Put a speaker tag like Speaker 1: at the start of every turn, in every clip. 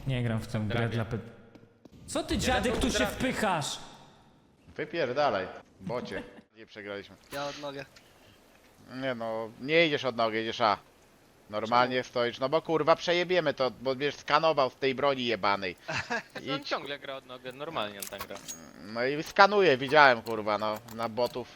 Speaker 1: Nie gram w tę grę dla Co ty, dziadek, tu się wpychasz?
Speaker 2: Wypierdalaj, bocie. Nie przegraliśmy.
Speaker 3: Ja od nogę.
Speaker 2: Nie no, nie idziesz od nogi, idziesz A. Normalnie stoisz, no bo kurwa przejebiemy to, bo będziesz skanował z tej broni jebanej.
Speaker 4: On
Speaker 2: Idź.
Speaker 4: ciągle gra od nogę, normalnie on tam gra.
Speaker 2: No i skanuję, widziałem kurwa, no, na botów.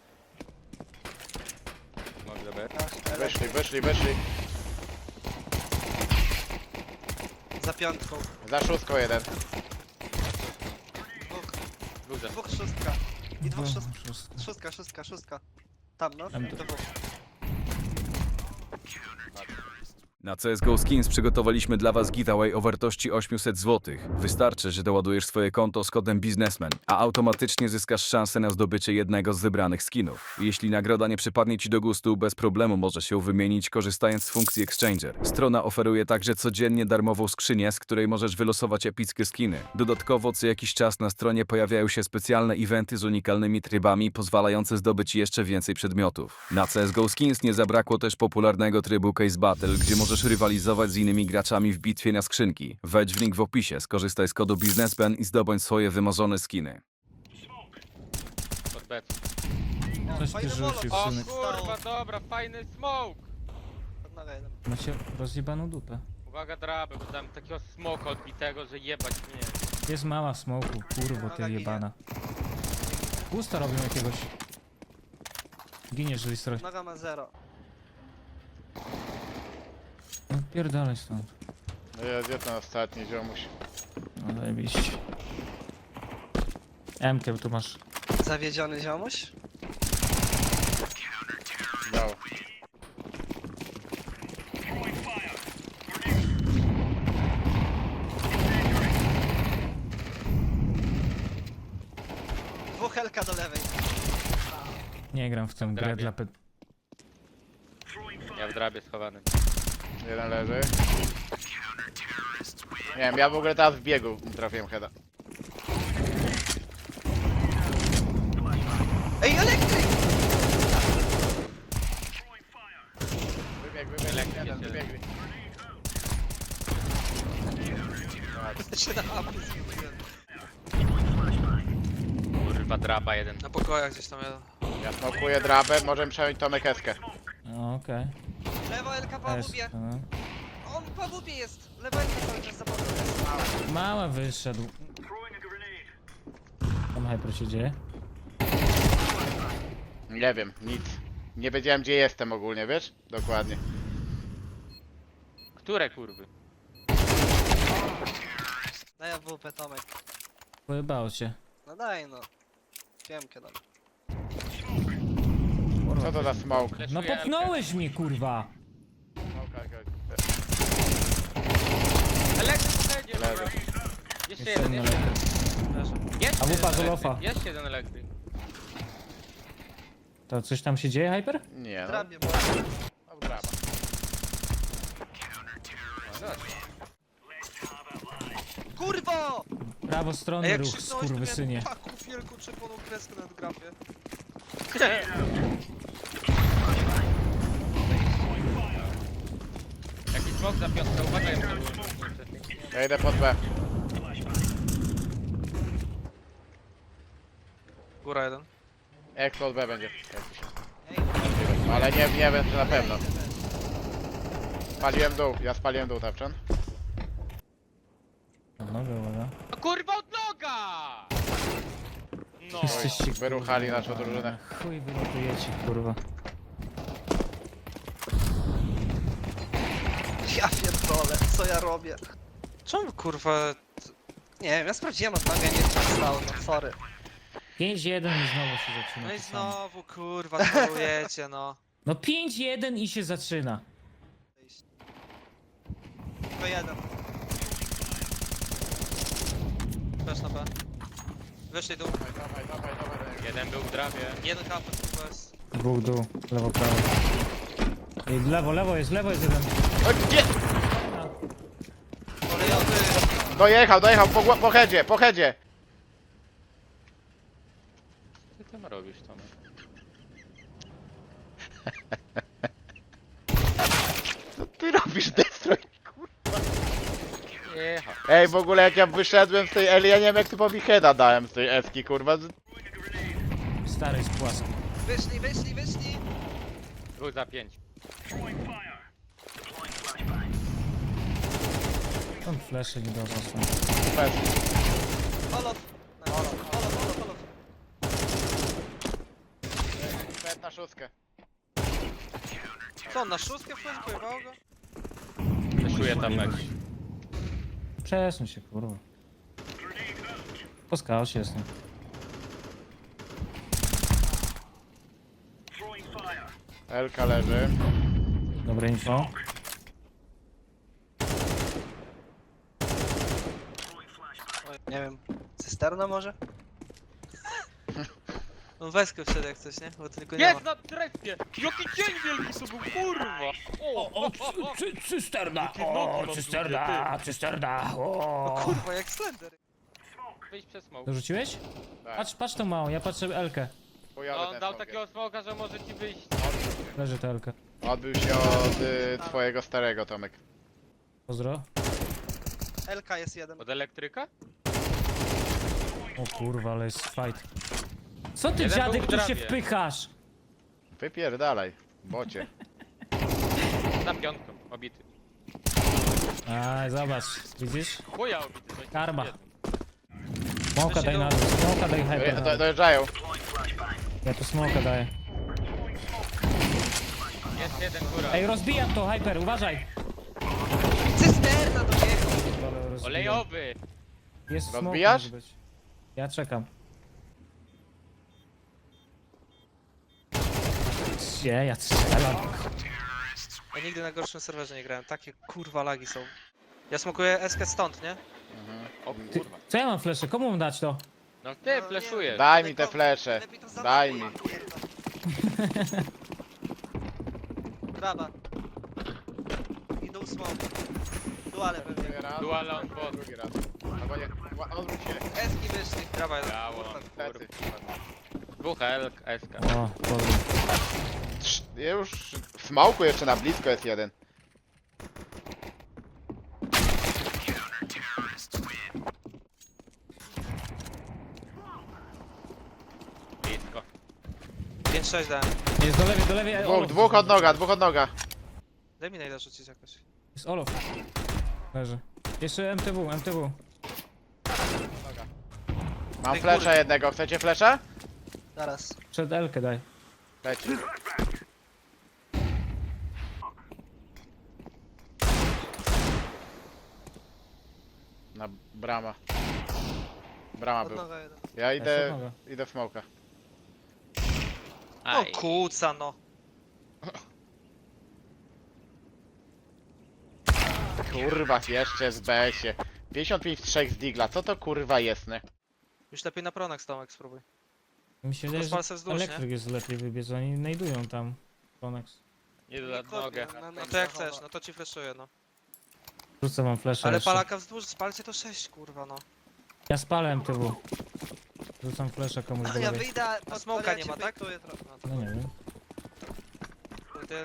Speaker 4: Może być.
Speaker 2: Wyszli.
Speaker 3: Za piątką.
Speaker 2: Za szóstką jeden.
Speaker 4: Górze.
Speaker 3: Dwóch szóstka. I dwóch
Speaker 1: Szóstka.
Speaker 3: szóstka. Tam no.
Speaker 1: Tam to-
Speaker 3: Dwóch.
Speaker 5: Na CSGO Skins przygotowaliśmy dla Was giveaway o wartości 800 zł. Wystarczy, że doładujesz swoje konto z kodem biznesmen, a automatycznie zyskasz szansę na zdobycie jednego z wybranych skinów. Jeśli nagroda nie przypadnie Ci do gustu, bez problemu możesz ją wymienić korzystając z funkcji Exchanger. Strona oferuje także codziennie darmową skrzynię, z której możesz wylosować epickie skiny. Dodatkowo co jakiś czas na stronie pojawiają się specjalne eventy z unikalnymi trybami, pozwalające zdobyć jeszcze więcej przedmiotów. Na CSGO Skins nie zabrakło też popularnego trybu Case Battle, gdzie możesz rywalizować z innymi graczami w bitwie na skrzynki. Wejdź w link w opisie, skorzystaj z kodu biznesmen i zdobądź swoje wymarzone skiny.
Speaker 4: Pod B.
Speaker 1: Coś ty
Speaker 3: Fajny
Speaker 1: rzucił,
Speaker 3: molot.
Speaker 4: O
Speaker 1: synek.
Speaker 4: kurwa, dobra, fajny smoke!
Speaker 3: Od nogę jeden.
Speaker 1: Macie rozjebaną dupę.
Speaker 4: Uwaga drabę, bo dam takiego smoka odbitego, że jebać mnie.
Speaker 1: Jest mała w smoku, kurwo ty jebana. Gusta robią jakiegoś. Giniesz, Listroś.
Speaker 3: Noga ma 0.
Speaker 1: No pierdolę stąd.
Speaker 2: No ja gdzie ten ostatni ziomuś?
Speaker 1: No zajebiście. M-kiem tu masz.
Speaker 3: Zawiedziony ziomuś?
Speaker 2: Dał.
Speaker 3: Dwóch helka do lewej.
Speaker 1: Nie gram w tę grę
Speaker 4: Drabie.
Speaker 1: dla
Speaker 4: Ja w drabie schowany.
Speaker 2: Jeden leży. Nie wiem, ja w ogóle teraz w biegu trafiłem heada.
Speaker 3: Ej, elektryk!
Speaker 2: Wybieg, jeden, wybiegli.
Speaker 3: Się na apy zgubiłem.
Speaker 4: Kurwa, draba jeden.
Speaker 3: Na pokojach gdzieś tam jeden.
Speaker 2: Ja smokuję drabę, możemy przejąć Tomek Eskę.
Speaker 1: No okej.
Speaker 3: Lewo LK po
Speaker 1: Jest,
Speaker 3: łubie.
Speaker 1: no.
Speaker 3: On po łubie jest. Lewo LK cały czas za bokiem.
Speaker 1: Mała wyszedł. Tam hyper się dzieje.
Speaker 2: Nie wiem, nic. Nie wiedziałem gdzie jestem ogólnie, wiesz? Dokładnie.
Speaker 4: Które kurwy?
Speaker 3: Daj AWP Tomek.
Speaker 1: Pojebało cię.
Speaker 3: No daj no. Piemkę dam.
Speaker 2: Co to za smoke?
Speaker 1: No
Speaker 4: Fleszuję
Speaker 1: popchnąłeś mnie, kurwa!
Speaker 4: Elektryk będzie,
Speaker 2: Leży.
Speaker 4: dobra. Jeszcze
Speaker 1: Jeszcze
Speaker 4: jeden,
Speaker 1: jeden
Speaker 4: jeszcze
Speaker 1: elektryk.
Speaker 4: Jeszcze
Speaker 1: A wupa
Speaker 4: jeden
Speaker 1: z
Speaker 4: elektryk,
Speaker 1: Olofa.
Speaker 4: Jeszcze jeden elektryk.
Speaker 1: To coś tam się dzieje, hyper?
Speaker 2: Nie no.
Speaker 3: Drabie, bo...
Speaker 2: No, draba.
Speaker 3: Kurwo!
Speaker 1: Prawostronny ruch, skurwysynie.
Speaker 3: taką wielką czerwoną kreskę na grafie.
Speaker 4: Jakiś smok za piątkę, uwaga jeszcze.
Speaker 2: Ja idę pod B.
Speaker 3: Góra jeden.
Speaker 2: Expo od B będzie. Ale nie wiem czy na pewno. Spaliłem dół, ja spaliłem dół tapczan.
Speaker 1: Nogę, uwaga.
Speaker 4: No kurwa od noga! No.
Speaker 1: Jesteście,
Speaker 2: wyruchali
Speaker 1: kurwa,
Speaker 2: naszą drużynę.
Speaker 1: Chuj wylatujecie, kurwa.
Speaker 3: Ja pierdolę, co ja robię? Czemu kurwa... Nie wiem, ja sprawdziłem od nogę, nie stało, no sorry.
Speaker 1: 5-1 i znowu się zaczyna.
Speaker 3: No i
Speaker 1: to samo.
Speaker 3: znowu kurwa, trolujecie no.
Speaker 1: No 5-1 i się zaczyna.
Speaker 3: To jeden. Też na B. Wyszli dół.
Speaker 2: Dawaj.
Speaker 4: Jeden był w drabie.
Speaker 3: Jeden kapel kurwa jest.
Speaker 1: Dwóch dół, lewo, prawo. Ej, lewo jest jeden.
Speaker 2: O, gdzie?
Speaker 3: Kolejowy.
Speaker 2: Dojechał, po headzie.
Speaker 4: Co ty tam robisz, Tomek?
Speaker 2: Co ty robisz, Destroy?
Speaker 4: Cicho.
Speaker 2: Ej, w ogóle jak ja wyszedłem z tej Eli, ja nie wiem jak typowi heada dałem z tej Eski, kurwa.
Speaker 1: Stary jest płaski.
Speaker 3: Wyszli!
Speaker 4: Był za 5.
Speaker 1: On flesze nie dorosł.
Speaker 2: Bez.
Speaker 3: Olof! Olof.
Speaker 2: Pet na szóstkę.
Speaker 3: Co on na szóstkę wchodzi? Pojebało go?
Speaker 4: Wyszuję tam mecz.
Speaker 1: Przesuń się, kurwa. Po skaucie jestem.
Speaker 2: Elka leży.
Speaker 1: Dobre info.
Speaker 3: Oj, nie wiem. Cysterna może? No weskę wszedł jak coś, nie? Bo tylko nie ma.
Speaker 4: Jest na trefie! Jaki cień wielki to był, kurwa! O,
Speaker 1: Cysterna!
Speaker 4: Jakie nogi mam
Speaker 1: cysterna!
Speaker 3: O kurwa, jak Slender.
Speaker 4: Wyjść przez smoke.
Speaker 1: Dorzuciłeś?
Speaker 2: Tak.
Speaker 1: Patrz tą małą, ja patrzę Elkę.
Speaker 2: Chujowy
Speaker 4: No, on
Speaker 2: ten
Speaker 4: dał
Speaker 2: smoker.
Speaker 4: takiego smoka, że może ci wyjść.
Speaker 1: Leży ta Elka.
Speaker 2: Odbył się od twojego starego, Tomek.
Speaker 1: Pozdro.
Speaker 3: LK jest jeden.
Speaker 4: Od elektryka?
Speaker 1: O kurwa, ale jest fight. Co ty
Speaker 4: Jeden
Speaker 1: dziadek
Speaker 4: był w
Speaker 1: tu się
Speaker 4: trawie.
Speaker 1: wpychasz?
Speaker 2: Wypierdalaj, bocie.
Speaker 4: Za piątką, obity.
Speaker 1: Aj, zobacz, widzisz?
Speaker 4: Chuja obity. to
Speaker 1: Karma.
Speaker 4: jeden.
Speaker 1: Smoka daj na dół, smoka daj hyper na dół.
Speaker 2: Dojeżdżają.
Speaker 1: Ja tu smoka daję.
Speaker 4: Jest jeden góra.
Speaker 1: Ej, rozbijam to, hyper, uważaj!
Speaker 3: Cysterna do niego!
Speaker 1: Ale rozbijam.
Speaker 4: Olejowy!
Speaker 1: Jest smoke,
Speaker 2: Rozbijasz?
Speaker 1: może być. Ja czekam. Gdzie? Ja strzelam.
Speaker 3: Ja nigdy na gorszym serwerze nie grałem. Takie kurwa lagi są. Ja smokuję SK stąd, nie?
Speaker 4: O
Speaker 1: Ty,
Speaker 4: kurwa.
Speaker 1: co ja mam flesze? Komu mam dać to?
Speaker 4: No ty fleszujesz.
Speaker 2: Daj mi te flesze.
Speaker 3: Lepiej to za
Speaker 2: Daj
Speaker 3: mapę,
Speaker 2: mi.
Speaker 3: pierdol. Brawa. Idą smoke. Duale pewnie.
Speaker 2: Raz,
Speaker 4: Dual on bot.
Speaker 2: drugi raz. Albo nie, odwróć się.
Speaker 3: Eski wyszli. Brawa jeden.
Speaker 4: Brawo.
Speaker 3: Kurwa.
Speaker 2: Plecy.
Speaker 4: Dwóch SK.
Speaker 1: O, dobra.
Speaker 2: Już w smoku jeszcze na blisko jest jeden.
Speaker 4: Blisko.
Speaker 3: 5-6 dałem.
Speaker 1: Jest do lewej, Olof.
Speaker 2: Dwóch od noga, dwóch od noga.
Speaker 3: Daj mi najda rzucić jakoś.
Speaker 1: Jest Olof. Leży. Jeszcze MTW.
Speaker 2: Mam
Speaker 3: Tej
Speaker 2: flesza
Speaker 3: góry.
Speaker 2: jednego, chcecie flesza?
Speaker 3: Zaraz.
Speaker 1: Przed Elkę daj.
Speaker 2: Leci. Na brama. Brama
Speaker 3: Od
Speaker 2: był.
Speaker 3: noga jeden.
Speaker 2: Ja
Speaker 1: Jeszcze
Speaker 2: idę,
Speaker 1: od noga.
Speaker 2: idę w smoka.
Speaker 3: O
Speaker 4: Aj.
Speaker 3: kuca no.
Speaker 2: Kurwa, jeszcze z BS-ie. 55 w 3 z Digla, co to kurwa jest, nie?
Speaker 3: Już lepiej na pronak Tomek spróbuj.
Speaker 1: Mi się wydaje,
Speaker 3: Rozpal se
Speaker 1: że
Speaker 3: wzdłuż, nie?
Speaker 1: elektryk jest lepiej wybiec, oni znajdują tam. Konex.
Speaker 4: Nie da nogę.
Speaker 3: No to jak chcesz, no to ci flashuję no.
Speaker 1: Rzucę wam flesze
Speaker 3: Ale
Speaker 1: jeszcze.
Speaker 3: palaka wzdłuż, spalcie to 6 kurwa no.
Speaker 1: Ja spalę MTW. Rzucam flesza komuś do
Speaker 3: Ja
Speaker 1: lewej.
Speaker 3: wyjdę, a smoka nie ma, tak?
Speaker 1: No nie wiem.
Speaker 3: Ten...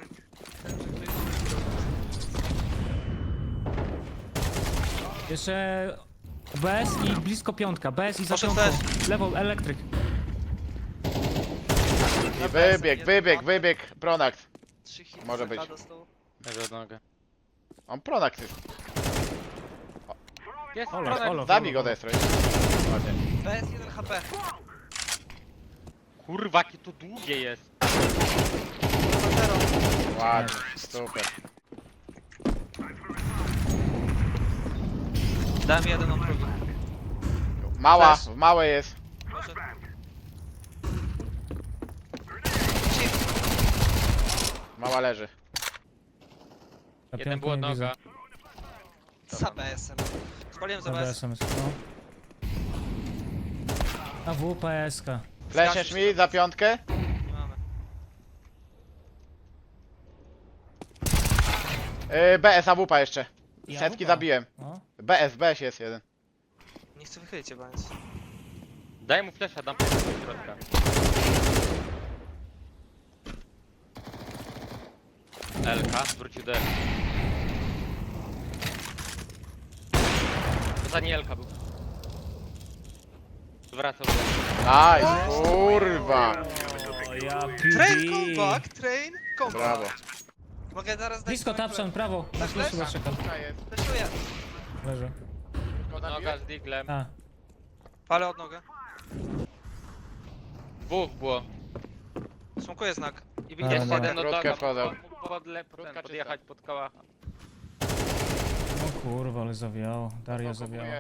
Speaker 1: Jeszcze BS i blisko piątka. BS i za
Speaker 3: Poszedł
Speaker 1: piątką. Lewą, elektryk.
Speaker 2: I wybieg, Pronax. Może być.
Speaker 4: Leży od nogę.
Speaker 2: On Pronax jest.
Speaker 4: Jest
Speaker 1: Olof,
Speaker 4: Pronek.
Speaker 1: Olof.
Speaker 2: Zabij go Destroy. Ładnie.
Speaker 3: PS 1 HP.
Speaker 4: Kurwa, jakie to długie jest.
Speaker 2: Ładnie, super.
Speaker 3: Dałem jeden on drugi.
Speaker 2: Mała,
Speaker 3: Flash.
Speaker 2: w małej jest.
Speaker 3: Proszę.
Speaker 2: Mała leży.
Speaker 1: Na
Speaker 4: Jeden
Speaker 1: piątku
Speaker 4: był od
Speaker 1: nie widzę.
Speaker 4: noga.
Speaker 3: Za BS-em. Spaliłem za
Speaker 1: Za
Speaker 3: BS.
Speaker 1: BS-em jest, no. A WPSK.
Speaker 2: Fleszesz mi za piątkę?
Speaker 3: Nie mamy.
Speaker 2: BS, AWP jeszcze.
Speaker 1: I
Speaker 2: Setki
Speaker 1: AWP.
Speaker 2: zabiłem.
Speaker 1: No.
Speaker 2: BS jest jeden.
Speaker 3: Nie chcę wychylić chyba nic.
Speaker 4: Daj mu flesza, dam flesza do środka. LK, wrócił do LK. Danielka był. Wracał.
Speaker 2: Nice, kurwa.
Speaker 1: O, ja
Speaker 3: Train
Speaker 1: PD.
Speaker 3: comeback, train comeback.
Speaker 2: Brawo.
Speaker 3: Mogę zaraz dać
Speaker 1: Blisko
Speaker 3: swoją
Speaker 1: tapszan, prawo. Na klucz chyba czekam.
Speaker 2: Kurka jest.
Speaker 3: kulę. Fleszuję.
Speaker 1: Leży.
Speaker 4: Noga z diglem.
Speaker 1: A,
Speaker 3: Palę od nogę.
Speaker 4: Dwóch było.
Speaker 3: Smokuję znak. I
Speaker 1: Dobra,
Speaker 3: widzisz
Speaker 1: dobra.
Speaker 3: jeden
Speaker 4: Jeden od
Speaker 2: Krótkę
Speaker 4: noga.
Speaker 2: wchodzę.
Speaker 4: Mógł podjechać pod kałacha.
Speaker 1: o kurwa, ale zawiało. Daria zawiała.
Speaker 2: Kupuję.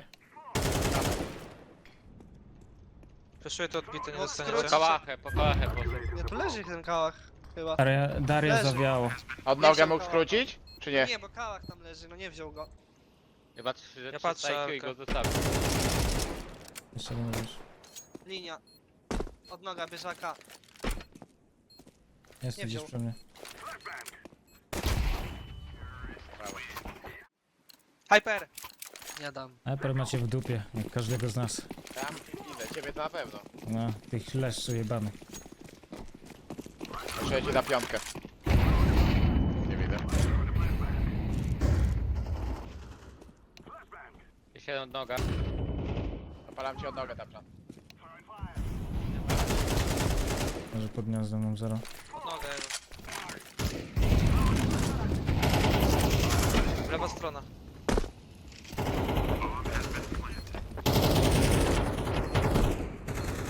Speaker 3: Fleszuję to odbity, nie
Speaker 4: Po
Speaker 3: dostaniecie.
Speaker 4: kałachę poszedł.
Speaker 3: Nie, tu leży ten kałach. Chyba.
Speaker 1: Daria
Speaker 3: Leży.
Speaker 1: zawiało.
Speaker 2: Od nogę
Speaker 3: wziął
Speaker 2: mógł
Speaker 3: koła.
Speaker 2: skrócić? Czy nie?
Speaker 3: Nie, bo kałach tam leży, no nie wziął go.
Speaker 4: Chyba 3
Speaker 3: Ja
Speaker 4: rzeczy
Speaker 3: patrzę,
Speaker 4: IQ i
Speaker 3: Arka.
Speaker 4: go zostawił.
Speaker 1: Jeszcze nie mówisz.
Speaker 3: Linia. Od noga, bieżaka.
Speaker 1: Jest
Speaker 3: Nie
Speaker 1: tu gdzieś
Speaker 3: wziął.
Speaker 1: przy mnie.
Speaker 3: Hyper! Nie dam.
Speaker 1: Hyper macie w dupie, jak każdego z nas.
Speaker 2: Tam idę, ciebie to na pewno.
Speaker 1: No, tych leszczu jebanych.
Speaker 2: Muszę ci na piątkę. Nie widzę.
Speaker 4: Jeszcze jeden od noga.
Speaker 2: Zapalam ci od nogę tam.
Speaker 1: Może pod gniazdem mam zero.
Speaker 3: Od nogę jego. Lewa strona.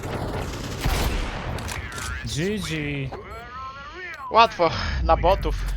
Speaker 1: GG!
Speaker 2: Łatwo, na botów.